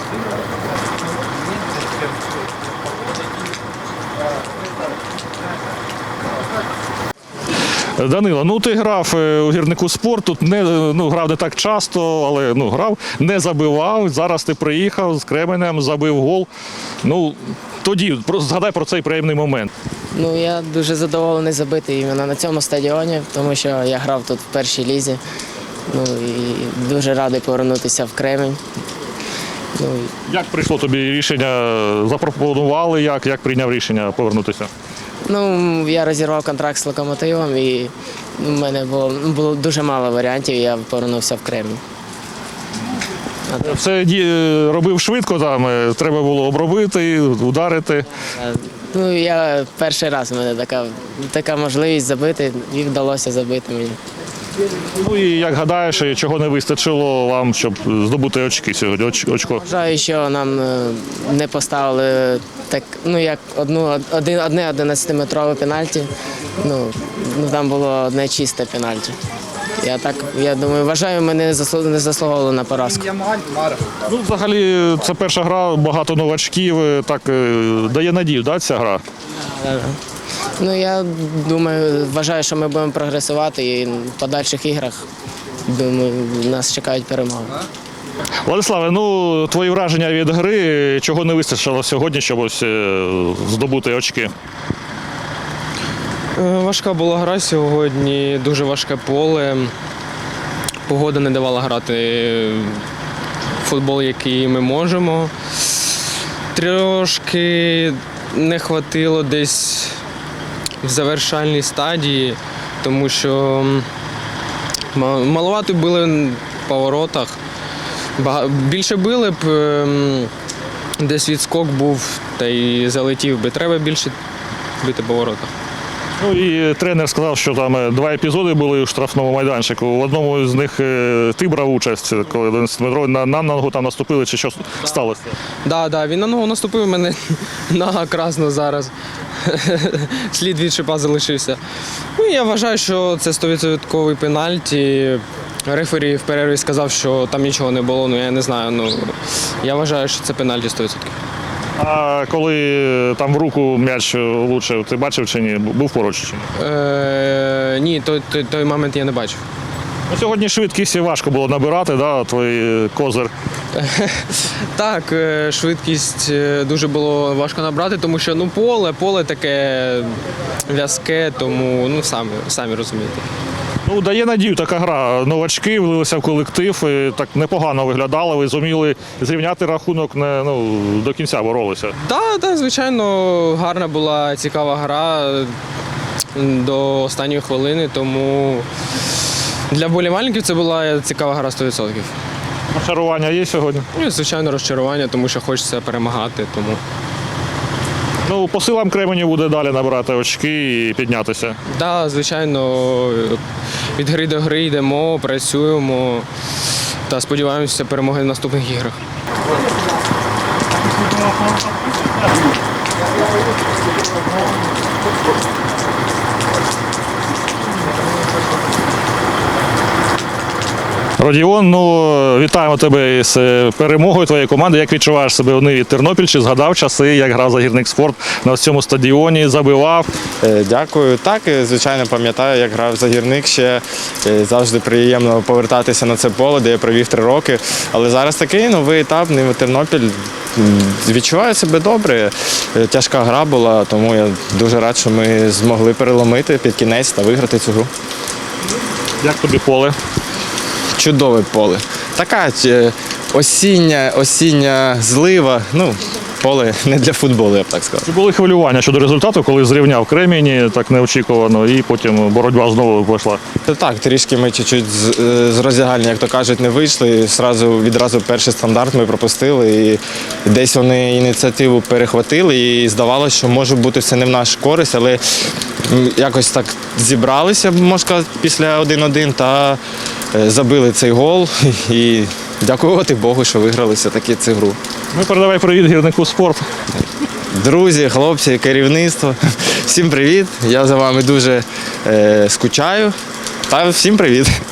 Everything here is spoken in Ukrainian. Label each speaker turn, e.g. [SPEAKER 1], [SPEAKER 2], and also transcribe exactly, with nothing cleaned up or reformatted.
[SPEAKER 1] Данило, ну ти грав у гірнику спорт, тут не, ну, грав не так часто, але ну, грав, не забивав. Зараз ти приїхав з Кременем, забив гол. Ну, тоді згадай про цей приємний момент.
[SPEAKER 2] Ну, я дуже задоволений забити іменно на цьому стадіоні, тому що я грав тут в першій лізі. Ну, і дуже радий повернутися в Кремень. Ну,
[SPEAKER 1] Як прийшло тобі рішення? Запропонували, як, як прийняв рішення повернутися?
[SPEAKER 2] ну, я розірвав контракт з «Локомотивом» і в мене було, було дуже мало варіантів, і я повернувся в Кремень.
[SPEAKER 1] Все робив швидко, там, треба було обробити, ударити.
[SPEAKER 2] Ну, я перший раз, у мене така, така можливість забити, і вдалося забити мені.
[SPEAKER 1] Ну і як гадаєш, чого не вистачило вам, щоб здобути очки сьогодні, оч, очко?
[SPEAKER 2] Вважаю, що нам не поставили так, ну, як одну, один, одне одинадцятиметрове пенальті. Ну, ну, там було одне чисте пенальті. Я так, я думаю, вважаю, ми не заслуговували на поразку.
[SPEAKER 1] Ну, взагалі, це перша гра, багато новачків, так дає надію, да, ця гра?
[SPEAKER 2] Ну, я думаю, вважаю, що ми будемо прогресувати і в подальших іграх, думаю, нас чекають перемоги.
[SPEAKER 1] Владиславе, ну, твої враження від гри, чого не вистачило сьогодні, щоб ось здобути очки?
[SPEAKER 3] Важка була гра сьогодні, дуже важке поле. Погода не давала грати в футбол, який ми можемо. Трошки не хватило десь в завершальній стадії, тому що маловато били в поворотах. Більше били б, десь відскок був та й залетів би. Треба більше бити по воротах.
[SPEAKER 1] Ну і тренер сказав, що там два епізоди були у штрафному майданчику. В одному з них ти брав участь, коли одинадцятиметровий на, на ногу там наступили, чи що сталося?
[SPEAKER 3] Так, да, да, він на ногу наступив, мене нога красна зараз. Слід від шипа залишився. Ну, я вважаю, що це сто відсотків пенальті. Рефері в перерві сказав, що там нічого не було, ну я не знаю. Ну, я вважаю, що це пенальті сто відсотків.
[SPEAKER 1] А коли там в руку м'яч влучив, ти бачив чи ні? Був поруч чи ні?
[SPEAKER 3] Е, ні, той, той, той момент я не бачив.
[SPEAKER 1] Ну, сьогодні швидкість важко було набирати, да, твій козир?
[SPEAKER 3] Так, швидкість дуже було важко набрати, тому що ну, поле, поле таке в'язке, тому ну, самі, самі розумієте.
[SPEAKER 1] Ну, дає надію така гра. Новачки влилися в колектив, і так непогано виглядали, ви зуміли зрівняти рахунок, не, ну, до кінця боролися.
[SPEAKER 3] Так, так, звичайно, гарна була цікава гра до останньої хвилини, тому для вболівальників це була цікава гра сто відсотків.
[SPEAKER 1] Розчарування є сьогодні?
[SPEAKER 3] Ну, звичайно, розчарування, тому що хочеться перемагати. Тому.
[SPEAKER 1] Ну, по силам Кременю буде далі набирати очки і піднятися.
[SPEAKER 3] Так, да, звичайно, від гри до гри йдемо, працюємо та сподіваємося перемоги в наступних іграх. Родіон, ну, вітаємо тебе з перемогою твоєї команди. Як відчуваєш себе у Ниві Тернопіль? Чи згадав часи, як грав за «Гірник спорт» на цьому стадіоні, забивав?
[SPEAKER 4] Дякую. Так, звичайно, пам'ятаю, як грав за «Гірник». Ще завжди приємно повертатися на це поле, де я провів три роки. Але зараз такий новий етап, Нива Тернопіль. Відчуваю себе добре. Тяжка гра була, тому я дуже рад, що ми змогли переломити під кінець та виграти цю гру.
[SPEAKER 1] Як тобі поле?
[SPEAKER 4] Чудове поле. Така осіння, осіння злива. Ну, поле не для футболу, я б так сказав.
[SPEAKER 1] Чи були хвилювання щодо результату, коли зрівняв Кремінь так неочікувано, і потім боротьба знову пішла?
[SPEAKER 4] Так, трішки ми чуть-чуть з роздягальні, як то кажуть, не вийшли. Зразу, відразу перший стандарт ми пропустили. І десь вони ініціативу перехватили і здавалося, що може бути все не в нашу користь, але якось так зібралися, можна сказати, після один-один та забили цей гол. І дякувати Богу, що виграли все-таки цю гру.
[SPEAKER 1] Ну, передавай привіт «Гірнику спорт».
[SPEAKER 4] Друзі, хлопці, керівництво, всім привіт. Я за вами дуже е, скучаю. Та всім привіт.